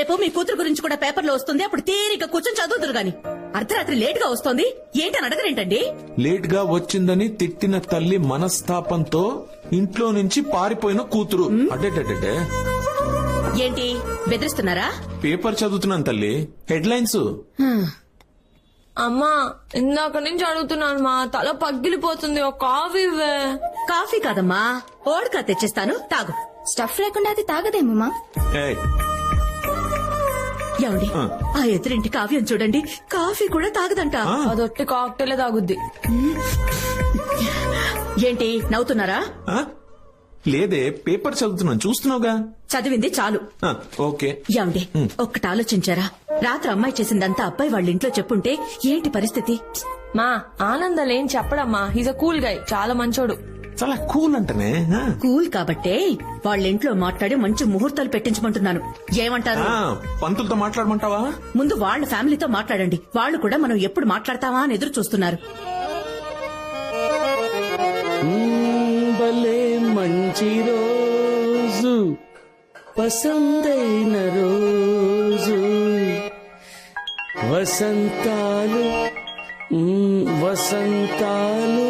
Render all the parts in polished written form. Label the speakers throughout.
Speaker 1: రేపు మీ కూతురు గురించి కూడా పేపర్లో వస్తుంది, అప్పుడు తీరిక కూర్చొని చదువుతురు గాని. అర్ధరాత్రి లేట్ గా వస్తోంది ఏంటని అడగరేంటండి?
Speaker 2: లేట్ గా వచ్చిందని తిట్టిన తల్లి మనస్తాపంతో ఇంట్లో నుంచి పారిపోయిన కూతురు. అడ్డే
Speaker 1: ఏంటి బెదిరిస్తున్నారా?
Speaker 2: పేపర్ చదువుతున్నాను తల్లి, హెడ్లైన్స్.
Speaker 3: అమ్మా ఇందాక నుంచి అడుగుతున్నాను మా తల పగిలిపోతుంది, ఒక కాఫీ ఇవ్వే.
Speaker 1: కాఫీ కాదమ్మా, ఓడకా తెచ్చిస్తాను, తాగు.
Speaker 4: స్టఫ్ లేకుండా అది తాగదేమమ్మా.
Speaker 2: ఏయ్,
Speaker 1: ఏమండి ఆ ఎదురింటి కావ్యం చూడండి, కాఫీ కూడా తాగదంట.
Speaker 3: అదొట్టి కాక్టైలే తాగుద్ది.
Speaker 1: ఏంటి నవ్వుతున్నారా?
Speaker 2: ఆ? లేదే, పేపర్ చదువుతున్నాను, చూస్తున్నావుగా.
Speaker 1: చదివింది చాలు.
Speaker 2: ఓకే.
Speaker 1: ఏమండి ఒక్కటి ఆలోచించారా? రాత్రి అమ్మాయి చేసిందంతా అబ్బాయి వాళ్ళ ఇంట్లో చెప్పుంటే ఏంటి పరిస్థితి?
Speaker 3: మా ఆనందం ఏం చెప్పడమ్మా, హీజ్ అ కూల్ గై, చాలా మంచోడు.
Speaker 2: చాలా కూల్ అంటనే.
Speaker 1: కూల్ కాబట్టే వాళ్ళ ఇంట్లో మాట్లాడి మంచి ముహూర్తాలు పెట్టించమంటున్నాను. ఏమంటారు?
Speaker 2: పంతులతో మాట్లాడమంటావా?
Speaker 1: ముందు వాళ్ళ ఫ్యామిలీతో మాట్లాడండి, వాళ్ళు కూడా మనం ఎప్పుడు మాట్లాడతావా అని ఎదురు చూస్తున్నారు.
Speaker 5: భలే మంచి రోజు, పసందైన రోజు, వసంతాలు వసంతాలు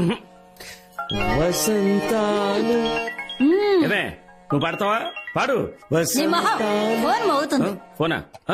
Speaker 5: వసంతాలు. నువ్వు పాడతావా? పాడు. ఫోనా?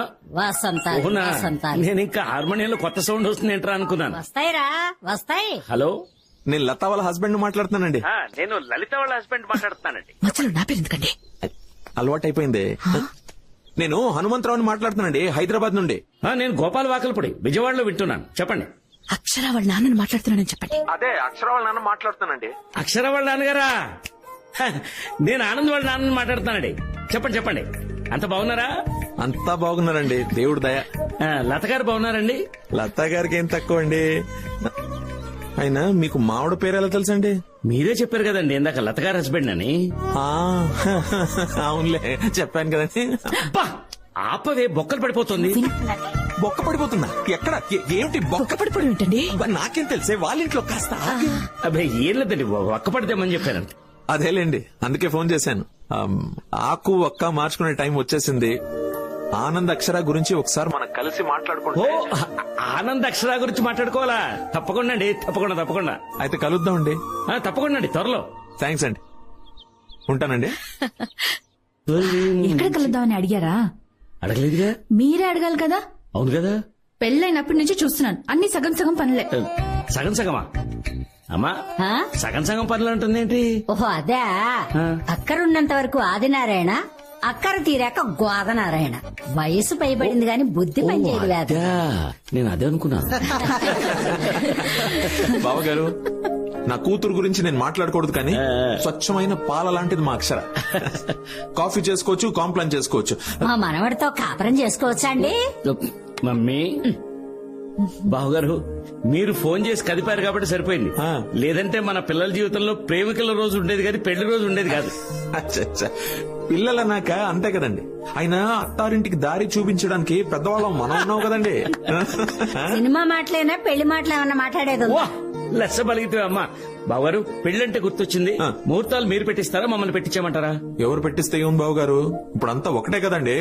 Speaker 5: నేను ఇంకా హార్మోనియంలో కొత్త సౌండ్ వస్తుంది ఏంట్రా అనుకున్నాను.
Speaker 6: వస్తాయిరా వస్తాయి.
Speaker 5: హలో,
Speaker 2: నేను లతా వాళ్ళ హస్బెండ్ మాట్లాడుతున్నానండి.
Speaker 5: నేను లలిత వాళ్ళ హస్బెండ్ మాట్లాడుతున్నానండి.
Speaker 1: మధ్యలో నా పేరు ఎందుకండి?
Speaker 2: అలవాటు అయిపోయింది. నేను హనుమంతరావుని మాట్లాడుతున్నానండి, హైదరాబాద్ నుండి.
Speaker 5: నేను గోపాల్ వాకల్పూడి, విజయవాడలో వింటున్నాను. చెప్పండి.
Speaker 1: అక్షర వాళ్ళ నాన్నని మాట్లాడుతున్నానని చెప్పండి.
Speaker 2: అదే అక్షర వాళ్ళ నాన్న మాట్లాడుతున్నానండి.
Speaker 5: అక్షర వాళ్ళ నాన్నగారా? నేను ఆనంద్ వాళ్ళ నాన్నని మాట్లాడుతున్నానండి. చెప్పండి చెప్పండి. అంత బాగున్నారా?
Speaker 2: అంతా బాగున్నారండి, దేవుడు దయ.
Speaker 5: లత గారు బాగున్నారండి?
Speaker 2: లతా గారికి ఏం తక్కువ అండి. అయినా మీకు మావిడ పేరు ఎలా తెలుసండి?
Speaker 5: మీరే చెప్పారు కదండి ఇందాక లత గారు హస్బెండ్ అని.
Speaker 2: అవునులే, చెప్పాను కదండి.
Speaker 5: ఆపవే, బొక్కలు పడిపోతుంది.
Speaker 2: బొక్క పడిపోతుందా? ఎక్కడ? ఏమిటి బొక్క
Speaker 1: పడిపోవడం ఏంటండి?
Speaker 2: నాకేం తెలిసే, వాళ్ళ ఇంట్లో కాస్త.
Speaker 5: అబ్బాయి ఏం లేదండి, ఒక్క పడితేమని చెప్పారంట.
Speaker 2: అదేలేండి, అందుకే ఫోన్ చేశాను. ఆకు ఒక్క మార్చుకునే టైం వచ్చేసింది. ఆనంద్ అక్షర గురించి ఒకసారి మనం కలిసి మాట్లాడుకుంటే.
Speaker 5: ఆనంద్ అక్షర గురించి మాట్లాడుకోవాలా? తప్పకుండా అండి, తప్పకుండా తప్పకుండా.
Speaker 2: అయితే కలుద్దామండి.
Speaker 5: తప్పకుండా అండి, త్వరలో.
Speaker 2: థ్యాంక్స్ అండి, ఉంటానండి.
Speaker 4: ఎక్కడ కలుద్దామని అడిగారా?
Speaker 5: అడగలేదుగా.
Speaker 4: మీరే అడగాలి కదా.
Speaker 5: అవును కదా.
Speaker 4: పెళ్ళైనప్పటి నుంచి చూస్తున్నాను, అన్ని సగం సగం పనులే.
Speaker 5: సగం సగమా? అమ్మా, సగం సగం పనులు అంటుంది ఏంటి?
Speaker 6: ఓహో అదే, అక్కరున్నంత వరకు ఆదినారాయణ, అక్కర తీరాక గోదనారాయణ. వయసు పైబడింది గాని బుద్ధి పనిచేయలేదు.
Speaker 5: నేను అదే అనుకున్నాను.
Speaker 2: బావగారు, నా కూతురు గురించి నేను మాట్లాడకూడదు కానీ స్వచ్ఛమైన పాల లాంటిది మా అక్షర. కాఫీ చేసుకోవచ్చు, కాంప్లైంట్ చేసుకోవచ్చు.
Speaker 6: మా మనవడితో కాపురం చేసుకోవచ్చా అండి?
Speaker 5: మమ్మీ, బావగారు మీరు ఫోన్ చేసి కదిపారు కాబట్టి సరిపోయింది. లేదంటే మన పిల్లల జీవితంలో ప్రేమికుల రోజు ఉండేది కానీ పెళ్లి రోజు ఉండేది కాదు.
Speaker 2: పిల్లలన్నాక అంతే కదండి. అయినా అత్తారింటికి దారి చూపించడానికి పెద్దవాళ్ళం మనం ఉన్నావు కదండి.
Speaker 6: సినిమా మాటలేనా పెళ్లి మాటలు ఏమన్నా మాట్లాడేది?
Speaker 5: లెస్స బలిగితే అమ్మా. బావగారు, పెళ్లంటే గుర్తొచ్చింది, ముహూర్తాలు మీరు పెట్టిస్తారా మమ్మల్ని పెట్టించామంటారా?
Speaker 2: ఎవరు పెట్టిస్తే ఏం బావగారు, ఇప్పుడంతా ఒకటే కదండి.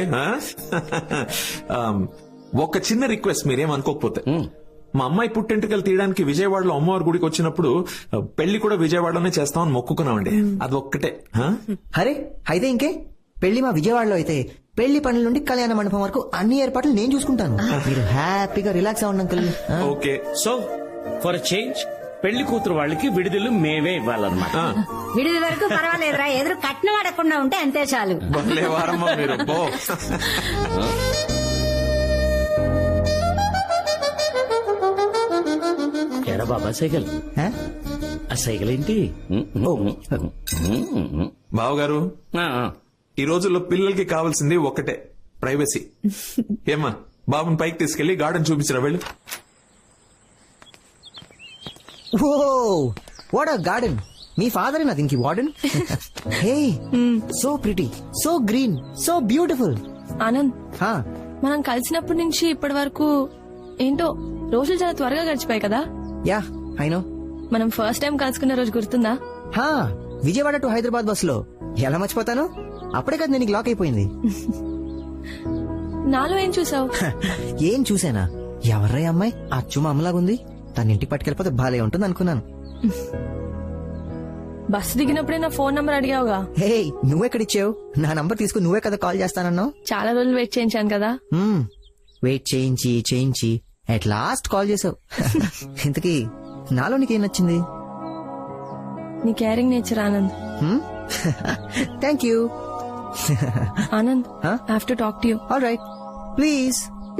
Speaker 2: ఒక చిన్న రిక్వెస్ట్, మీరేం అనుకోకపోతే. మా అమ్మాయి పుట్టెంటుకలు తీయడానికి విజయవాడలో అమ్మవారి గుడికి వచ్చినప్పుడు పెళ్లి కూడా విజయవాడలోనే చేస్తామని మొక్కుకున్నామండి. అది ఒక్కటే.
Speaker 7: అరే అయితే ఇంకే, పెళ్లి మా విజయవాడలో అయితే పెళ్లి పనుల నుండి కళ్యాణ మండపం వరకు అన్ని ఏర్పాట్లు నేను చూసుకుంటాను. మీరు హ్యాపీగా రిలాక్స్ అవ్వండి uncle.
Speaker 2: Okay.
Speaker 5: So for change పెళ్లి కూతురు వాళ్ళకి విడుదల మేమే ఇవ్వాలన్నమాట.
Speaker 6: విడుదల వరకు పర్వాలేదురా, ఎదురు కట్నం అడగకుండా ఉంటే అంతే చాలు.
Speaker 2: మీరు
Speaker 5: ఎరా బాబా సైకిల్, ఆ సైకిల్ ఏంటి?
Speaker 2: బావగారు, ఈ రోజుల్లో పిల్లలకి కావాల్సింది ఒక్కటే, ప్రైవసీ. ఏమ్మా, బాబుని పైకి తీసుకెళ్లి గార్డెన్ చూపించరా వెళ్ళు.
Speaker 7: Oh what a garden. మీ ఫాదర్ నా దీనికి warden. Hey, so pretty, so green, so beautiful.
Speaker 3: Anand, మనం కలిసినప్పటి నుంచి ఇప్పటి వరకు ఏంటో రోజులు చాలా త్వరగా గడిచిపోయాయి కదా.
Speaker 7: Yeah I know.
Speaker 3: మనం ఫస్ట్ టైం కలుసుకున్న రోజు గుర్తుందా?
Speaker 7: విజయవాడ టు హైదరాబాద్ బస్ లో. ఎలా మర్చిపోతాను, అప్పుడే కదా నేను లాక్ అయిపోయింది.
Speaker 3: నాలో ఏం చూసావు?
Speaker 7: ఏం చూసానా? ఎవర్రా ఈ అమ్మాయి? అచ్చు మా అమ్మలాగుంది. తన ఇంటికి పట్టుకెళ్ళిపోతే బాలే ఉంటుంది అనుకున్నాను.
Speaker 3: బస్సు దిగినప్పుడే నా ఫోన్ నంబర్ అడిగావుగా.
Speaker 7: హే, నువ్వెక్కడిచ్చావు? నా నంబర్ తీసుకుని నువ్వే కదా కాల్ చేస్తానన్నావు.
Speaker 3: చాలా రోజులు వెయిట్ చేయించాను కదా.
Speaker 7: వెయిట్ చేయించి అట్ లాస్ట్ కాల్ చేసావు. ఇంతకీ నాలో నీకేం నచ్చింది?
Speaker 3: నీ caring nature Anand.
Speaker 7: Thank you.
Speaker 3: Anand,
Speaker 7: Huh?
Speaker 3: I have to talk to you.
Speaker 7: All right, please.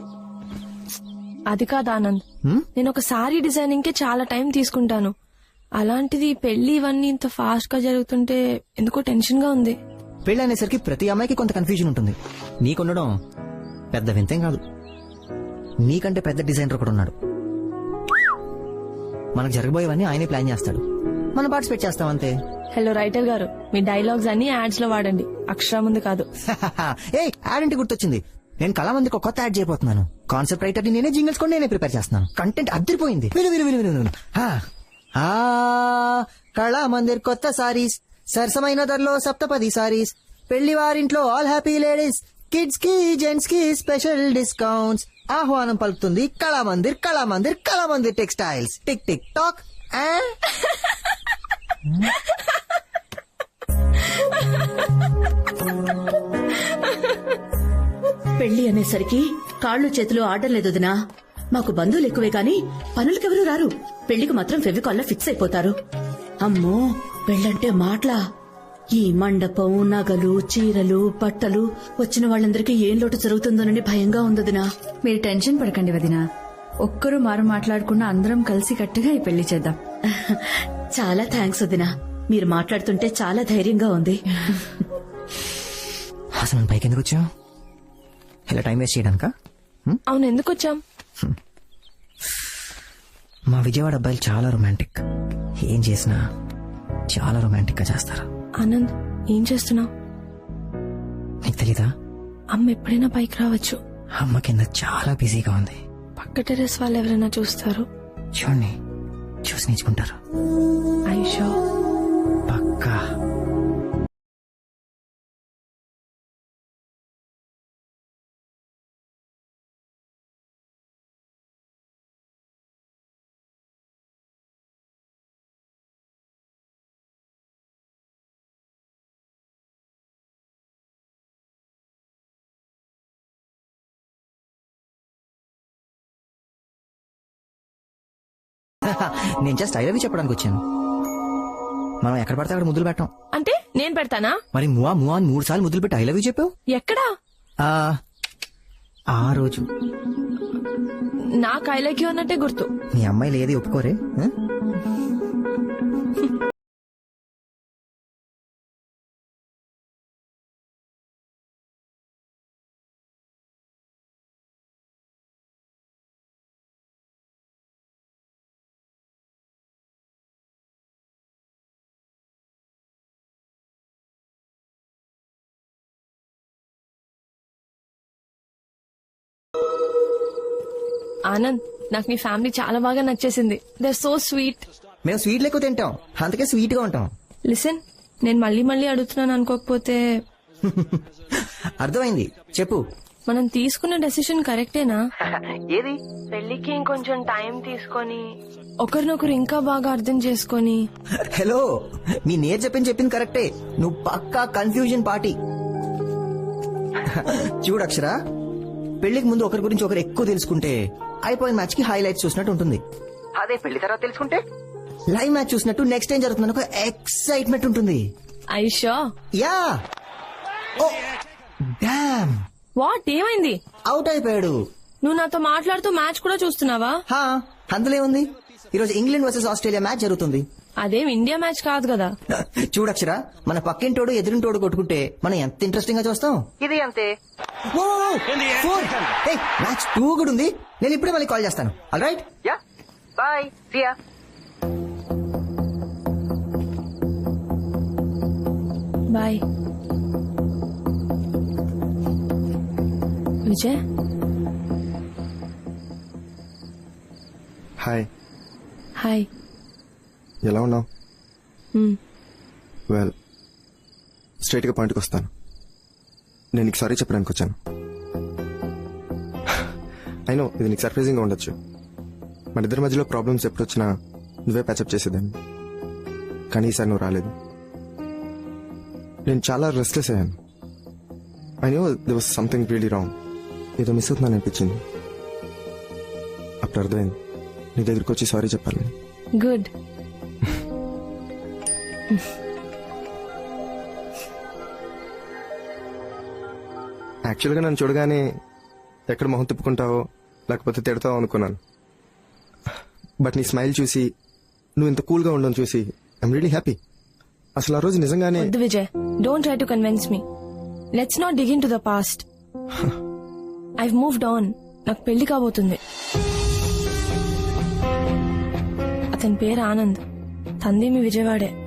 Speaker 3: అది కాదు ఆనంద్, నేను ఒక సారీ డిజైనింగ్ కి చాలా టైం తీసుకుంటాను. అలాంటిది పెళ్లి ఇవన్నీ ఇంత ఫాస్ట్ గా జరుగుతుంటే ఎందుకో టెన్షన్ గా ఉంది.
Speaker 7: పెళ్లి అనేసరికి ప్రతి అమ్మాయికి కొంత కన్ఫ్యూజన్ ఉంటుంది. నీకుండడం పెద్ద వింతేం కాదు. నీకంటే పెద్ద డిజైనర్ ఒకడు ఉన్నాడు. మనకు జరగబోయేవన్నీ ఆయనే ప్లాన్ చేస్తాడు, మనం పార్టిసిపేట్ చేస్తాం అంతే.
Speaker 3: హలో రైటర్ గారు, మీ డైలాగ్స్ అన్ని యాడ్స్ లో వాడండి, అక్షరం ముందు కాదు.
Speaker 7: ఏ యాడ్ గుర్తొచ్చింది. నేను కళామందికి ఒక కొత్త యాడ్ చేయబోతున్నాను. కాన్సెప్ట్ రైటర్ ని నేనే, జింగిల్స్ కూడా నేనే ప్రిపేర్ చేస్తున్నాను. కంటెంట్ అద్దరిపోయింది. విను. కళామందిర్ కొత్త సారీస్, సరసమైన ధరలో సప్తపది సారీస్, పెళ్లి వారింట్లో ఆల్ హ్యాపీ లేడీస్, కిడ్స్ కి జెంట్స్ కి స్పెషల్ డిస్కౌంట్స్. ఆహ్వానం పలుకుతుంది Kalamandir textiles. Tick tick tock.
Speaker 1: పెళ్లి అనేసరికి కాళ్ళు చేతులు ఆడలేదు వదినా. మాకు బంధువులు ఎక్కువే గాని పనులకెవరూ రారు. పెళ్లికి మాత్రం ఫెవికాల్లో ఫిక్స్ అయిపోతారు. అమ్మో, పెళ్ళంటే మాటలా? ఈ మండపం, నగలు, చీరలు, బట్టలు, వచ్చిన వాళ్ళందరికీ ఏం లోటు జరుగుతుందోనని భయంగా ఉందదినా.
Speaker 4: మీరు టెన్షన్ పడకండి వదినా. ఒక్కరు మారు మాట్లాడకుండా అందరం కలిసి కట్టుగా ఈ పెళ్లి చేద్దాం.
Speaker 1: చాలా థ్యాంక్స్ వదినా. మీరు మాట్లాడుతుంటే చాలా ధైర్యంగా ఉంది.
Speaker 7: అసలు మనం పైకి ఎందుకు వచ్చాం? ఇలా టైం వేస్ట్ చేయడానికా?
Speaker 3: అవును, ఎందుకు వచ్చాం?
Speaker 7: మా విజయవాడ అబ్బాయిలు చాలా రొమాంటిక్. ఏం చేసినా చాలా రొమాంటిక్ గా చేస్తారు.
Speaker 3: ఆనంద్, ఏం చేస్తున్నావు?
Speaker 7: నీకు తెలీదా?
Speaker 3: అమ్మ ఎప్పుడైనా పైకి రావచ్చు.
Speaker 7: అమ్మ కింద చాలా బిజీగా ఉంది.
Speaker 3: పక్క టెరెస్ వాళ్ళు ఎవరైనా చూస్తారు.
Speaker 7: చూడండి, చూసి నేర్చుకుంటారు.
Speaker 3: ఐషో
Speaker 7: పక్కా. నేను జస్ట్ ఐ లవ్ యూ చెప్పడానికి వచ్చాను. మనం ఎక్కడ పడితే అక్కడ ముద్దులు పెట్టాం.
Speaker 3: అంటే నేను పెడతానా?
Speaker 7: మరి మువా అని 3 సార్లు ముద్దులు పెట్టి ఐ లవ్ యూ చెప్పావు.
Speaker 3: ఎక్కడా?
Speaker 7: ఆ రోజు
Speaker 3: నాకు ఐ లైక్ యూ అన్నట్టే గుర్తు.
Speaker 7: మీ అమ్మాయిలు ఏది ఒప్పుకోరే.
Speaker 3: ఆనంద్, నాకు నీ ఫ్యామిలీ చాలా బాగా నచ్చేసింది. They are so sweet.
Speaker 7: మేము స్వీట్లు ఎక్కువ తింటాం, అందుకే స్వీట్ గా ఉంటాం.
Speaker 3: లిసన్, నేను మళ్ళీ అడుగుతున్నాను అనుకోకపోతే.
Speaker 7: అర్థమైంది, చెప్పు.
Speaker 3: మనం తీసుకున్న డెసిషన్ కరెక్టేనా?
Speaker 7: ఏది?
Speaker 3: పెళ్లికి ఇంకొంచెం టైం తీసుకొని ఒకరినొకరు ఇంకా బాగా అర్థం చేసుకొని.
Speaker 7: హలో, మీ నేర్ చెప్పింది కరెక్టే. నువ్వు పక్కా కన్ఫ్యూజన్ పార్టీ. చూడు అక్షర, పెళ్లికి ముందు ఒకరి గురించి ఒకరు ఎక్కువ తెలుసుకుంటే అయిపోయిన మ్యాచ్ కి హైలైట్స్ చూసినట్టు ఉంటుంది. అదే పెళ్లి తర్వాత తెలుసుకుంటే లైవ్ మ్యాచ్ చూసినట్టు నెక్స్ట్ టైం జరుగుతుందని ఒక ఎక్సైట్మెంట్ ఉంటుంది.
Speaker 3: ఐషో?
Speaker 7: యా. Oh damn.
Speaker 3: వాట్, ఏమైంది?
Speaker 7: అవుట్ అయిపోయాడు.
Speaker 3: నువ్వు నాతో మాట్లాడుతూ మ్యాచ్ కూడా చూస్తున్నావా?
Speaker 7: అందులో ఉంది. ఈరోజు ఇంగ్లాండ్ వర్సెస్ ఆస్ట్రేలియా మ్యాచ్ జరుగుతుంది.
Speaker 3: అదేం ఇండియా మ్యాచ్ కాదు కదా.
Speaker 7: చూడక్షరా, మన పక్కింటోడు ఎదురింటోడు కొట్టుకుంటే మనం ఎంత ఇంట్రెస్టింగ్ గా చూస్తాం. ఇది అంతే. మ్యాచ్ 2 కూడా ఉంది. నేను ఇప్పుడే మళ్ళీ కాల్ చేస్తాను. All right, yeah, bye, see ya.
Speaker 3: Bye. Vijay.
Speaker 8: Hi.
Speaker 3: Hi.
Speaker 8: ఎలా ఉన్నావు? వెల్, స్ట్రైట్ గా పాయింట్కి వస్తాను. నేను నీకు సారీ చెప్పడానికి వచ్చాను. అయినో ఇది నీకు సర్ప్రైజింగ్ గా ఉండొచ్చు మన ఇద్దరి మధ్యలో ప్రాబ్లమ్స్ ఎప్పుడు వచ్చినా నువ్వే ప్యాచప్ చేసేదాన్ని కానీ ఈసారి నువ్వు రాలేదు. నేను చాలా రెస్ట్లెస్ అయ్యాను. I know they was something really wrong. ఏదో మిస్ అవుతున్నాను అనిపించింది. అప్పుడు అర్థమైంది నీ దగ్గరికి వచ్చి సారీ చెప్పాలని.
Speaker 3: గుడ్.
Speaker 8: యాక్చువల్గా నన్ను చూడగానే ఎక్కడ మొహం తిప్పుకుంటావో లేకపోతే తిడతావో అనుకున్నాను. బట్ నీ స్మైల్ చూసి నువ్వు ఇంత కూల్గా ఉండడం చూసి ఐఎమ్ రియలీ హ్యాపీ. అసలు ఆ రోజు నిజంగానే
Speaker 3: వద్దు Vijay, don't try to convince me. Let's not dig into the past. I've moved on. నాకు పెళ్లి కాబోతుంది. అతని పేరు ఆనంద్. తంది మీ విజయవాడే.